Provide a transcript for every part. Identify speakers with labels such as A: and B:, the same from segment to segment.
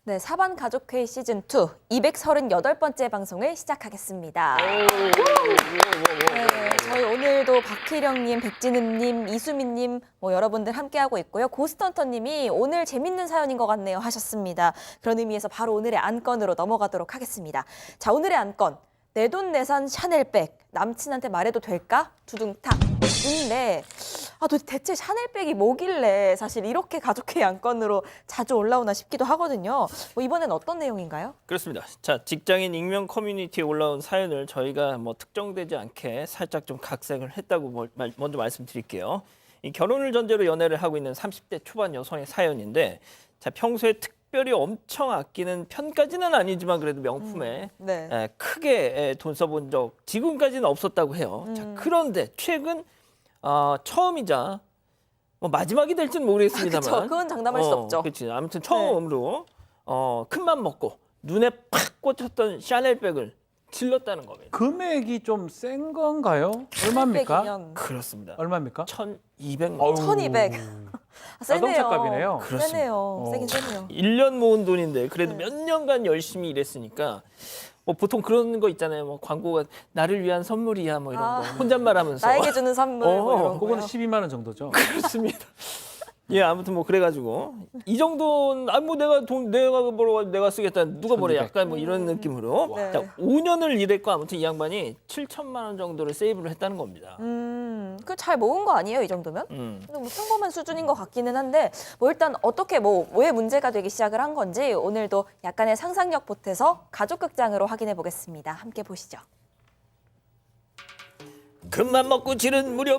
A: 네, 사반 가족회의 시즌2 238번째 방송을 시작하겠습니다. 네, 저희 오늘도 박희령님, 백진은님, 이수민님 여러분들 함께하고 있고요. 고스턴터님이 오늘 재밌는 사연인 것 같네요 하셨습니다. 그런 의미에서 바로 오늘의 안건으로 넘어가도록 하겠습니다. 자, 오늘의 안건. 내돈내산 샤넬백 남친한테 말해도 될까? 두둥탁. 인데 대체 샤넬백이 뭐길래 사실 이렇게 가족회의 안건으로 자주 올라오나 싶기도 하거든요. 이번엔 어떤 내용인가요?
B: 그렇습니다. 자, 직장인 익명 커뮤니티에 올라온 사연을 저희가 특정되지 않게 살짝 좀 각색을 했다고 먼저 말씀드릴게요. 이 결혼을 전제로 연애를 하고 있는 30대 초반 여성의 사연인데, 자, 평소에 특별히 엄청 아끼는 편까지는 아니지만 그래도 명품에 크게 돈 써본 적 지금까지는 없었다고 해요. 자, 그런데 최근 처음이자 마지막이 될지는 모르겠습니다만,
A: 그쵸, 그건 장담할 수 없죠.
B: 그렇지. 아무튼 처음으로 큰맘 먹고 눈에 팍 꽂혔던 샤넬백을 질렀다는 겁니다.
C: 금액이 좀 센 건가요? 얼마입니까?
A: 샤넬백이면
C: 얼마입니까?
B: 얼마입니까? 1,200만 원.
A: 1,200. 세네요.
C: 자동차 값이네요.
A: 세네요. 세긴 세네요.
B: 1년 모은 돈인데 그래도 몇 년간 열심히 일했으니까 보통 그런 거 있잖아요. 광고가 나를 위한 선물이야 이런 거 혼잣말하면서
A: 나에게 주는 선물 이런
C: 그거는
A: 거요.
C: 12만 원 정도죠.
B: 그렇습니다. 예, 아무튼 그래가지고 이 정도는 내가 돈 내가 벌어 내가 쓰겠다 누가 뭐래
C: 1200.
B: 약간 이런 느낌으로
A: 네.
B: 자, 5년을 일했고 아무튼 이 양반이 7천만 원 정도를 세이브를 했다는 겁니다.
A: 그 잘 모은 거 아니에요, 이 정도면? 평범한 수준인 것 같기는 한데 일단 어떻게 왜 문제가 되기 시작을 한 건지 오늘도 약간의 상상력 보태서 가족극장으로 확인해 보겠습니다. 함께 보시죠.
B: 금만 먹고 지른 무려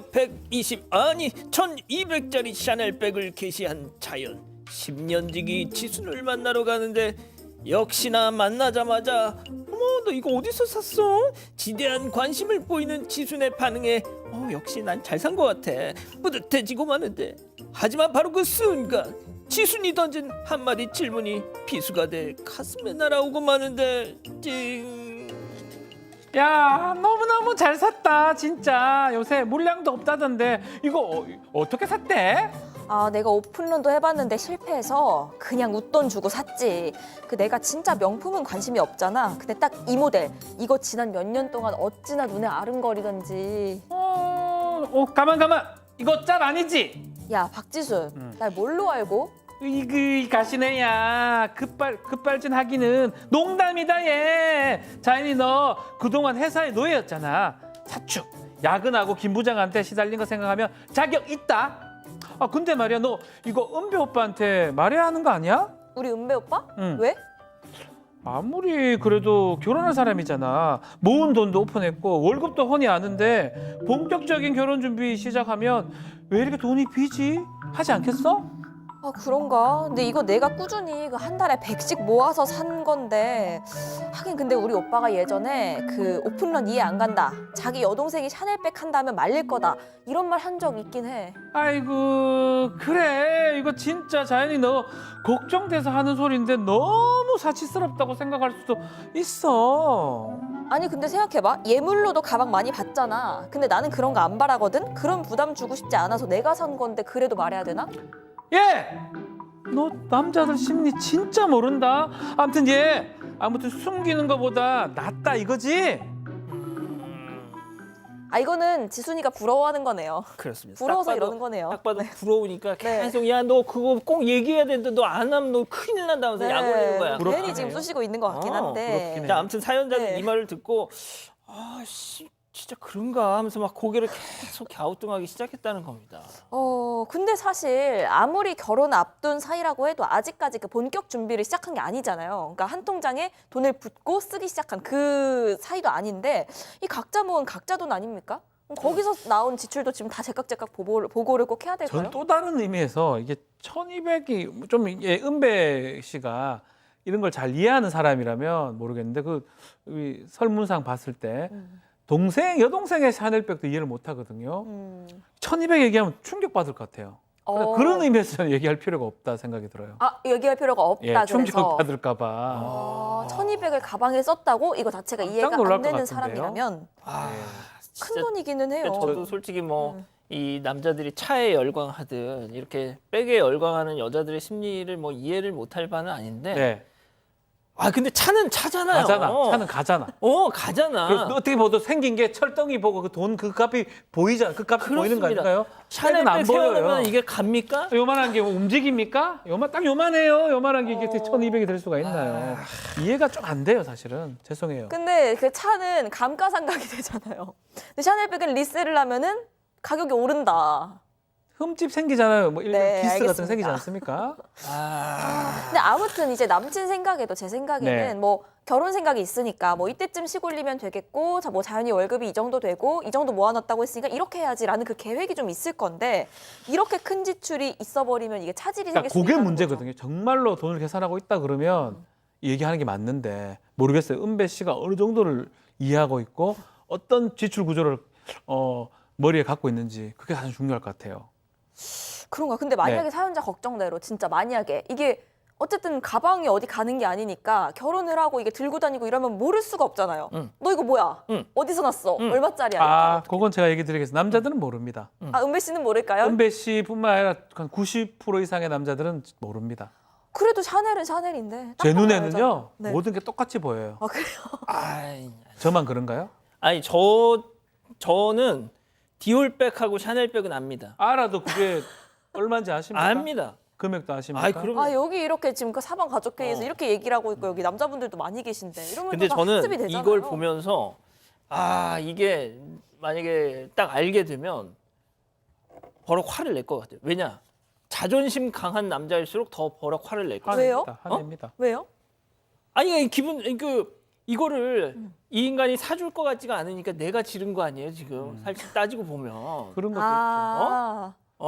B: 1200짜리 샤넬백을 게시한 자연. 10년지기 지순을 만나러 가는데 역시나 만나자마자 어머 너 이거 어디서 샀어? 지대한 관심을 보이는 지순의 반응에 역시 난 잘 산 것 같아. 뿌듯해지고 마는데 하지만 바로 그 순간 지순이 던진 한마디 질문이 비수가 돼 가슴에 날아오고 마는데 찡.
C: 야, 너무너무 잘 샀다. 진짜 요새 물량도 없다던데 이거 어떻게 샀대?
A: 내가 오픈런도 해봤는데 실패해서 그냥 웃돈 주고 샀지. 내가 진짜 명품은 관심이 없잖아. 근데 딱 이 모델, 이거 지난 몇 년 동안 어찌나 눈에 아른거리던지.
C: 가만. 이거 짤 아니지?
A: 야, 박지순, 날 뭘로 알고?
C: 이그 가시네야. 급발진 하기는 농담이다 얘. 자연이 너 그동안 회사의 노예였잖아. 사축, 야근하고 김 부장한테 시달린 거 생각하면 자격 있다. 근데 말이야 너 이거 은배 오빠한테 말해야 하는 거 아니야?
A: 우리 은배 오빠?
C: 응.
A: 왜?
C: 아무리 그래도 결혼한 사람이잖아. 모은 돈도 오픈했고 월급도 훤히 아는데 본격적인 결혼 준비 시작하면 왜 이렇게 돈이 비지? 하지 않겠어?
A: 그런가? 근데 이거 내가 꾸준히 한 달에 100씩 모아서 산 건데 하긴 근데 우리 오빠가 예전에 오픈런 이해 안 간다. 자기 여동생이 샤넬백 한다면 말릴 거다. 이런 말 한 적 있긴 해.
C: 아이고 그래 이거 진짜 자연이 너 걱정돼서 하는 소리인데 너무 사치스럽다고 생각할 수도 있어.
A: 아니 근데 생각해봐. 예물로도 가방 많이 받잖아. 근데 나는 그런 거 안 바라거든? 그런 부담 주고 싶지 않아서 내가 산 건데 그래도 말해야 되나?
C: 예! 너 남자들 심리 진짜 모른다. 아무튼 숨기는 거보다 낫다 이거지?
A: 이거는 지순이가 부러워하는 거네요.
B: 그렇습니다.
A: 부러워서 이러는 거네요.
B: 딱 봐도 부러우니까 계속 야 너 그거 꼭 얘기해야 되는데 너 안 하면 너 큰일 난다면서 약 올리는 거야.
A: 괜히 지금 쑤시고 있는 것 같긴 한데.
C: 부럽긴 해.
B: 자, 아무튼 사연자는
A: 네.
B: 이 말을 듣고 진짜 그런가 하면서 고개를 계속 갸우뚱하기 시작했다는 겁니다.
A: 근데 사실 아무리 결혼 앞둔 사이라고 해도 아직까지 본격 준비를 시작한 게 아니잖아요. 그러니까 한 통장에 돈을 붓고 쓰기 시작한 그 사이도 아닌데 이 각자 모은 각자 돈 아닙니까? 거기서 나온 지출도 지금 다 제깍제깍 보고를 꼭 해야 될까요?
C: 전 또 다른 의미에서 이게 1200이 좀 이게 은배 씨가 이런 걸 잘 이해하는 사람이라면 모르겠는데 이 설문상 봤을 때 여동생의 샤넬백도 이해를 못 하거든요. 1200 얘기하면 충격받을 것 같아요. 그런 의미에서 저는 얘기할 필요가 없다 생각이 들어요.
A: 얘기할 필요가 없다 그래서.
C: 충격받을까 봐.
A: 1200을 가방에 썼다고 이거 자체가 이해가
C: 놀랄
A: 안
C: 것
A: 되는
C: 같은데요?
A: 사람이라면
B: 진짜
A: 큰 돈이기는 해요.
B: 저도 솔직히 이 남자들이 차에 열광하듯 이렇게 백에 열광하는 여자들의 심리를 이해를 못할 바는 아닌데
C: 네.
B: 아 근데 차는 차잖아요.
C: 가잖아. 차는 가잖아.
B: 가잖아.
C: 그래서 어떻게 보도 생긴 게 철덩이 보고 그 돈 그 값이 보이잖아. 그 값이 보이는 거
B: 그렇습니다.
C: 아닌가요?
B: 샤넬백
C: 안 보여요.
B: 세워놓으면 이게 갑니까?
C: 요만한 게 움직입니까? 딱 요만해요. 요만한 게 이게 1,200이 될 수가 있나요? 이해가 좀 안 돼요, 사실은. 죄송해요.
A: 근데 그 차는 감가상각이 되잖아요. 근데 샤넬백은 리셀을 하면은 가격이 오른다.
C: 흠집 생기잖아요. 뭐 일명
A: 네,
C: 기스 같은 거
A: 알겠습니다.
C: 생기지 않습니까?
A: 근데 아무튼 이제 남친 생각에도 제 생각에는
C: 네.
A: 뭐 결혼 생각이 있으니까 뭐 이때쯤 시골리면 되겠고 뭐 자연히 월급이 이 정도 되고 이 정도 모아놨다고 했으니까 이렇게 해야지라는 그 계획이 좀 있을 건데 이렇게 큰 지출이 있어버리면 이게 차질이
C: 그러니까
A: 생길 수
C: 그게
A: 있다는
C: 문제거든요. 정말로 돈을 계산하고 있다 그러면 얘기하는 게 맞는데 모르겠어요. 은배 씨가 어느 정도를 이해하고 있고 어떤 지출 구조를 머리에 갖고 있는지 그게 가장 중요할 것 같아요.
A: 그런가? 근데 만약에
C: 네.
A: 사연자 걱정대로 진짜 만약에 이게 어쨌든 가방이 어디 가는 게 아니니까 결혼을 하고 이게 들고 다니고 이러면 모를 수가 없잖아요. 너 이거 뭐야? 어디서 났어? 얼마짜리야?
C: 아,
A: 이렇게.
C: 그건 제가 얘기 드리겠습니다. 남자들은 모릅니다.
A: 은배 씨는 모를까요?
C: 은배 씨뿐만 아니라 한 90% 이상의 남자들은 모릅니다.
A: 그래도 샤넬은 샤넬인데.
C: 제
A: 딱 보면
C: 눈에는요
A: 알잖아요. 네.
C: 모든 게 똑같이 보여요.
A: 아 그래요?
B: 아이,
C: 저만 그런가요?
B: 아니 저는 디올백하고 샤넬백은 압니다.
C: 알아도 그게 얼마인지 아십니까?
B: 압니다.
C: 금액도 아십니까?
B: 아이 그럼.
A: 아 여기 이렇게 지금 그 사방 가족회의에서 이렇게 얘기를 하고 있고 여기 남자분들도 많이 계신데 이러면
B: 근데
A: 다
B: 저는
A: 학습이 되잖아요.
B: 이걸 보면서 이게 만약에 딱 알게 되면 버럭 화를 낼 것 같아요. 왜냐? 자존심 강한 남자일수록 더 버럭 화를 낼 거예요.
A: 왜요?
C: 화냅니다.
A: 왜요?
B: 아니 이거를 이 인간이 사줄 것 같지가 않으니까 내가 지른 거 아니에요 지금 사실 따지고 보면.
C: 그런 것도
A: 아,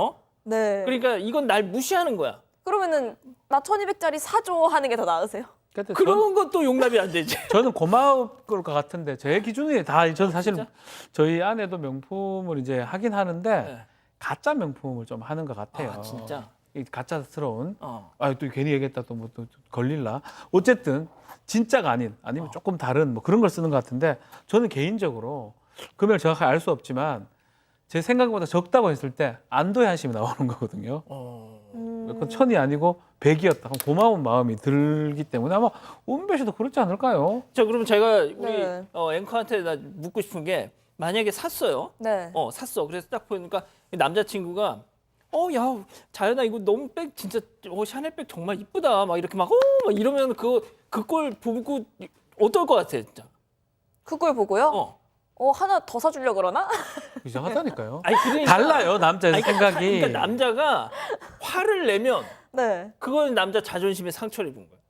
A: 네.
B: 그러니까 이건 날 무시하는 거야.
A: 그러면은 나 1,200짜리 사줘 하는 게 더 나으세요?
C: 있죠. 근데
B: 그런 것도 용납이 안 되지.
C: 저는 고마울 것 같은데 제 기준이 다 저는 사실
B: 진짜?
C: 저희 아내도 명품을 이제 하긴 하는데
B: 네.
C: 가짜 명품을 좀 하는 것 같아요.
B: 아 진짜.
C: 이 가짜스러운.
B: 어.
C: 또 괜히 얘기했다 또 뭐 또 걸릴라. 어쨌든 진짜가 아니면 조금 다른 뭐 그런 걸 쓰는 것 같은데 저는 개인적으로 금액을 정확하게 알 수 없지만 제 생각보다 적다고 했을 때 안도의 한심이 나오는 거거든요. 그건 1,000이 아니고 100이었다. 그럼 고마운 마음이 들기 때문에 아마 은배 씨도 그렇지 않을까요?
B: 자 그러면 제가 우리
A: 네.
B: 앵커한테 나 묻고 싶은 게 만약에 샀어요.
A: 네.
B: 샀어. 그래서 딱 보니까 남자친구가 야 자연아 이거 너무 백 진짜 샤넬백 정말 이쁘다 막 이렇게 막 이러면 그걸 보고 어떨 것 같아 진짜.
A: 그걸 보고요? 하나 더 사주려고 그러나?
C: 이상하다니까요.
B: 아니 그러니까
C: 달라요 남자의
B: 아니,
C: 생각이.
B: 그러니까 남자가 화를 내면
A: 네.
B: 그건 남자 자존심에 상처를 입은 거야.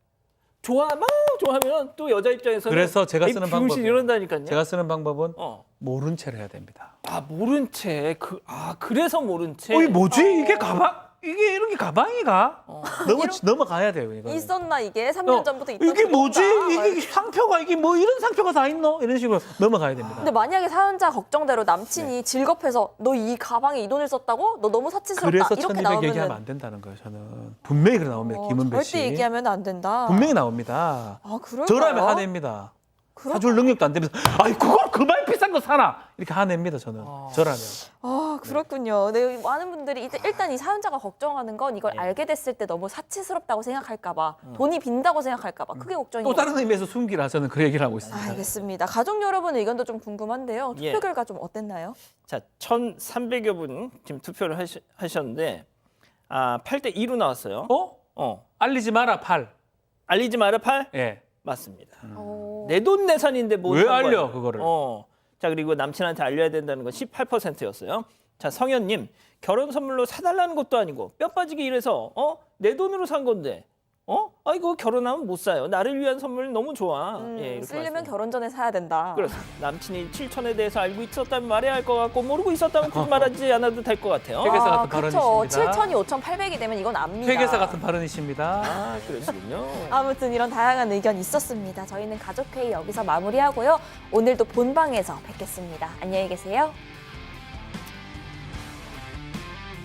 B: 막 좋아하면 또 여자 입장에서는
C: 그래서 제가 쓰는
B: 비용신
C: 방법이에요.
B: 이런다니까요.
C: 제가 쓰는 방법은
B: 어.
C: 모른 채를 해야 됩니다.
B: 모른 채 그래서 모른 채.
C: 이게 뭐지? 이게 가방? 이게 이런 게 가방이가? 넘어가야 돼요. 이거.
A: 있었나 이게? 3년 전부터 있던
C: 이게 뭐지?
A: 정보인가?
C: 이게 상표가 이게 뭐 이런 상표가 다 있노? 이런 식으로 넘어가야 됩니다.
A: 근데 만약에 사연자 걱정대로 남친이 질겁해서 너 이 가방에 이 돈을 썼다고? 너 너무 사치스럽다.
C: 그래서
A: 이렇게
C: 1,200
A: 나오면
C: 얘기하면 안 된다는 거예요. 저는 분명히 그래 나옵니다. 김은배 씨.
A: 절대 얘기하면 안 된다.
C: 분명히 나옵니다.
A: 아, 그럴까요?
C: 저라면 화냅니다. 사줄 능력도 안 되면서 아이 그걸 그만 비싼 거 사나 이렇게 화냅니다. 저는 저라면.
A: 아, 그렇군요. 네, 많은 분들이 일단 이 사연자가 걱정하는 건 이걸
B: 예.
A: 알게 됐을 때 너무 사치스럽다고 생각할까 봐, 돈이 빈다고 생각할까 봐. 그게 걱정인
C: 또
A: 거죠.
C: 다른 의미에서 숨기라 저는 그 얘기를 하고 있습니다.
A: 알겠습니다. 가족 여러분 의견도 좀 궁금한데요. 투표
B: 예.
A: 결과 좀 어땠나요?
B: 자, 1,300여 분 지금 투표를 하셨는데 8대 2로 나왔어요.
C: 알리지 마라 8.
B: 알리지 마라 8?
C: 예.
B: 맞습니다.
A: 어,
B: 내돈내산인데 뭐
C: 왜
B: 산
C: 알려,
B: 거예요?
C: 그거를?
B: 자, 그리고 남친한테 알려야 된다는 건 18%였어요. 자, 성현님 결혼 선물로 사달라는 것도 아니고 뼈 빠지게 일해서 내 돈으로 산 건데 이거 결혼하면 못 사요. 나를 위한 선물 너무 좋아. 예, 이렇게
A: 쓰려면
B: 말씀하셨어요.
A: 결혼 전에 사야 된다.
B: 그렇습니다. 남친이 7천에 대해서 알고 있었다면 말해야 할 것 같고 모르고 있었다면 굳이 말하지 않아도 될 것 같아요.
C: 회계사 같은
A: 그렇죠.
C: 발언이십니다.
A: 7천이 5,800이 되면 이건 압니다.
C: 회계사 같은 발언이십니다.
B: 그러시군요.
A: 아무튼 이런 다양한 의견 있었습니다. 저희는 가족회의 여기서 마무리하고요. 오늘도 본방에서 뵙겠습니다. 안녕히 계세요.